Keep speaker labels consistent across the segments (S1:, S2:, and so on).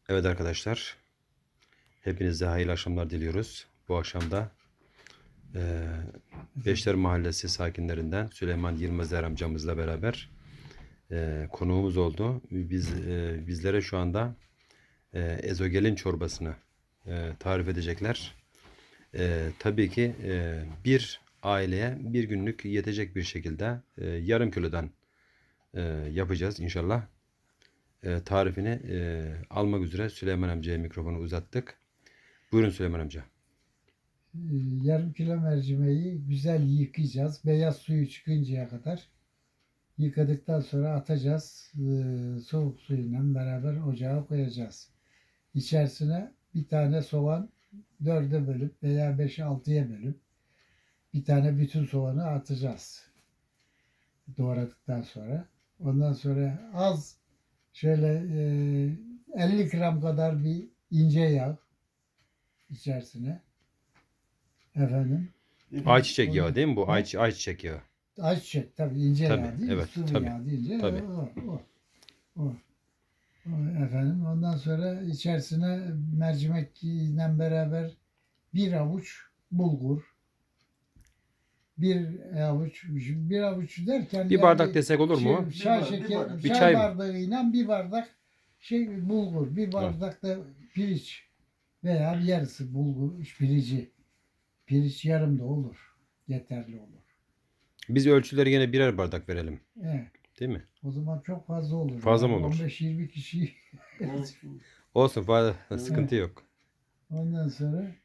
S1: Evet arkadaşlar, hepinize hayırlı akşamlar diliyoruz. Bu akşam da Beşler Mahallesi sakinlerinden Süleyman Yılmazer amcamızla beraber konuğumuz oldu. Bizlere şu anda ezogelin çorbasını tarif edecekler. Tabii ki bir aileye bir günlük yetecek bir şekilde yarım kilodan yapacağız inşallah. Tarifini almak üzere Süleyman amcaya mikrofonu uzattık. Buyurun Süleyman amca.
S2: Yarım kilo mercimeği güzel yıkayacağız. Beyaz suyu çıkıncaya kadar. Yıkadıktan sonra atacağız. Soğuk suyla beraber ocağa koyacağız. İçerisine bir tane soğan dörde bölüp veya beşe altıya bölüp bir tane bütün soğanı atacağız. Doğradıktan sonra. Ondan sonra az şöyle 50 gram kadar bir ince yağ içerisine. Efendim.
S1: Ayçiçek yağı
S2: Onu,
S1: değil mi bu?
S2: he?
S1: Ayçiçek yağı.
S2: Ayçiçek tabii ince
S1: Tabii,
S2: yağ değil,
S1: evet,
S2: sıvı
S1: tabii,
S2: yağ deyince
S1: tabii.
S2: o efendim. Ondan sonra içerisine mercimekle beraber bir avuç bulgur, bir avuç derken
S1: Bir
S2: yani
S1: bardak desek olur mu? Bir
S2: çay
S1: çay mı?
S2: bardağıyla bir bardak bulgur, bir
S1: Evet.
S2: bardak da pirinç veya yarısı bulgur pirinci. Pirinç yarım da olur. Yeterli olur.
S1: Biz ölçüleri yine birer bardak verelim.
S2: Evet.
S1: Değil mi?
S2: O zaman çok fazla olur.
S1: Fazla mı
S2: Yani
S1: olur?
S2: 15-20 kişi.
S1: Olsun, fazla
S3: Evet.
S1: sıkıntı yok.
S2: Ondan sonra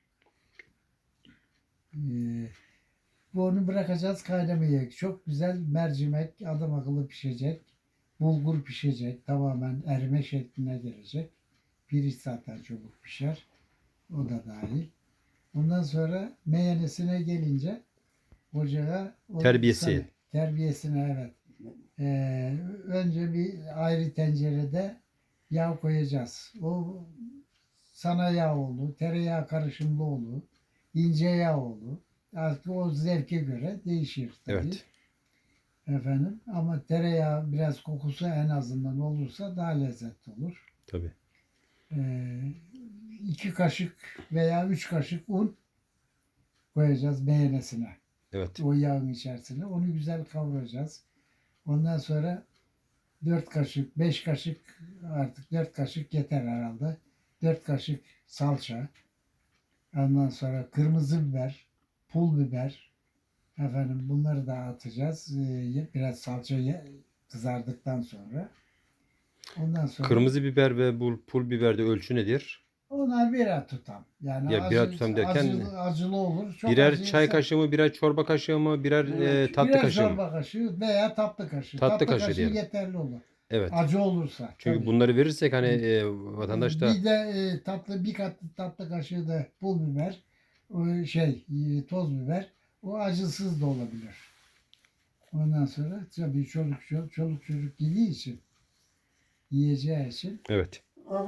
S2: onu bırakacağız kaynamaya. Çok güzel mercimek adam akıllı pişecek. Bulgur pişecek. Tamamen erime şekline gelecek. Pirinç zaten çabuk pişer. O da dahil. Ondan sonra meyanesine gelince ocağa
S1: Terbiyesi.
S2: terbiyesine evet. Önce bir ayrı tencerede yağ koyacağız. O sana yağ olur, tereyağı karışımlı olur, ince yağ olur. Artık o zevke göre değişir tabii.
S1: Evet.
S2: Efendim ama tereyağı biraz kokusu en azından olursa daha lezzetli olur.
S1: Tabii.
S2: 2 kaşık veya 3 kaşık un koyacağız meyanesine.
S1: Evet.
S2: O yağın içerisine. Onu güzel kavuracağız. Ondan sonra 4 kaşık, 5 kaşık artık 4 kaşık yeter herhalde. 4 kaşık salça. Ondan sonra kırmızı biber, pul biber. Efendim bunları da atacağız. Biraz salça kızardıktan sonra. Ondan sonra
S1: Kırmızı biber ve bu pul biberde ölçü nedir?
S2: onlar birer tutam. Yani
S1: Ya birer tutam derken
S2: acılı olur. Çok
S1: birer çay
S2: acıysa
S1: kaşığı mı, birer çorba kaşığı mı, birer tatlı
S2: birer
S1: kaşığı mı?
S2: çorba kaşığı veya tatlı kaşığı.
S1: Tatlı
S2: Tatlı
S1: kaşığı
S2: kaşığı
S1: diyelim.
S2: yeterli olur.
S1: Evet.
S2: Acı olursa
S1: Çünkü
S2: tabii.
S1: bunları verirsek hani vatandaş da
S2: Bir de bir tatlı kaşığı da pul biber, toz biber. O acısız da olabilir. Ondan sonra tabii çoluk çocuk yediği için, yiyeceği için.
S1: evet.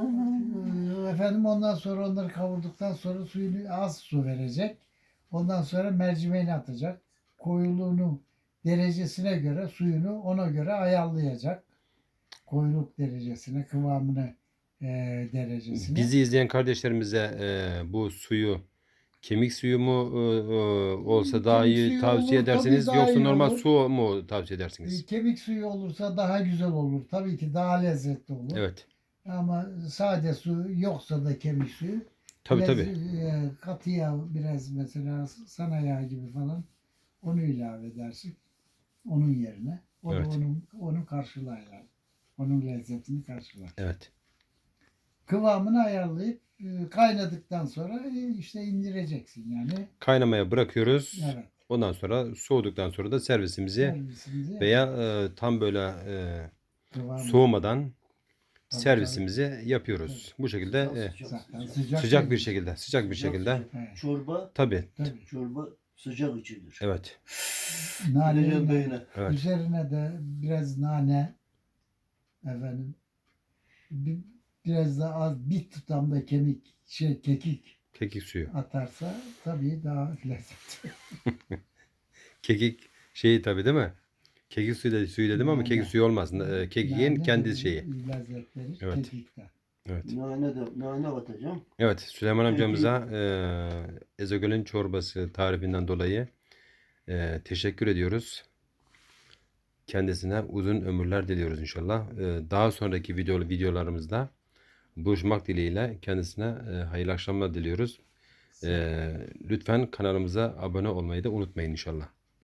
S2: Efendim ondan sonra onları kavurduktan sonra suyunu az su verecek. Ondan sonra mercimeğini atacak. Koyuluğunu derecesine göre suyunu ona göre ayarlayacak. Koyuluk derecesine, kıvamını derecesine.
S1: Bizi izleyen kardeşlerimize bu suyu kemik suyu mu olsa daha
S2: Kemik
S1: iyi
S2: suyu
S1: tavsiye
S2: olur, tabii
S1: edersiniz
S2: daha
S1: yoksa
S2: iyi
S1: normal
S2: olur.
S1: su mu tavsiye edersiniz?
S2: Kemik suyu olursa daha güzel olur. Tabii ki daha lezzetli olur.
S1: Evet.
S2: Ama sade su yoksa da kemik suyu
S1: Tabii
S2: biraz,
S1: tabii.
S2: katı yağ biraz mesela sana yağ gibi falan onu ilave edersin. Onun yerine. O
S1: Evet.
S2: da onu karşılar yani. Onun lezzetini karşılar.
S1: Evet.
S2: Kıvamını ayarlayıp kaynadıktan sonra işte indireceksin yani.
S1: Kaynamaya bırakıyoruz.
S2: Evet.
S1: Ondan sonra soğuduktan sonra da servisimizi
S2: Servisimizi
S1: veya tam böyle
S2: kıvamı.
S1: soğumadan
S2: Tabii,
S1: servisimizi yapıyoruz. Bu şekilde
S2: Zaten
S1: sıcak bir şekilde, sıcak bir
S3: Sıcak
S1: şekilde.
S3: sıcak.
S2: Evet.
S3: Çorba,
S1: Tabii.
S2: Tabii.
S3: çorba sıcak içilir.
S1: Evet.
S3: Gideceğim
S2: Naneyle,
S3: beyine.
S1: Evet.
S2: üzerine de biraz nane efendim bi- biraz da az bir tutam da kekik
S1: Kekik suyu.
S2: atarsa tabii daha lezzetli.
S1: Kekik şeyi tabii değil mi? Kekik suyu dedim ama
S2: Nane.
S1: kekik suyu olmaz. Kekiğin
S2: Nane
S1: kendi
S2: de
S1: şeyi.
S2: lezzet verir
S1: Evet.
S2: kekikten.
S1: Evet.
S3: Nane atacağım.
S1: Evet, Süleyman amcamıza ezogelin çorbası tarifinden dolayı teşekkür ediyoruz. Kendisine uzun ömürler diliyoruz inşallah. Daha sonraki videolarımızda buluşmak dileğiyle kendisine hayırlı akşamlar diliyoruz. Lütfen kanalımıza abone olmayı da unutmayın inşallah.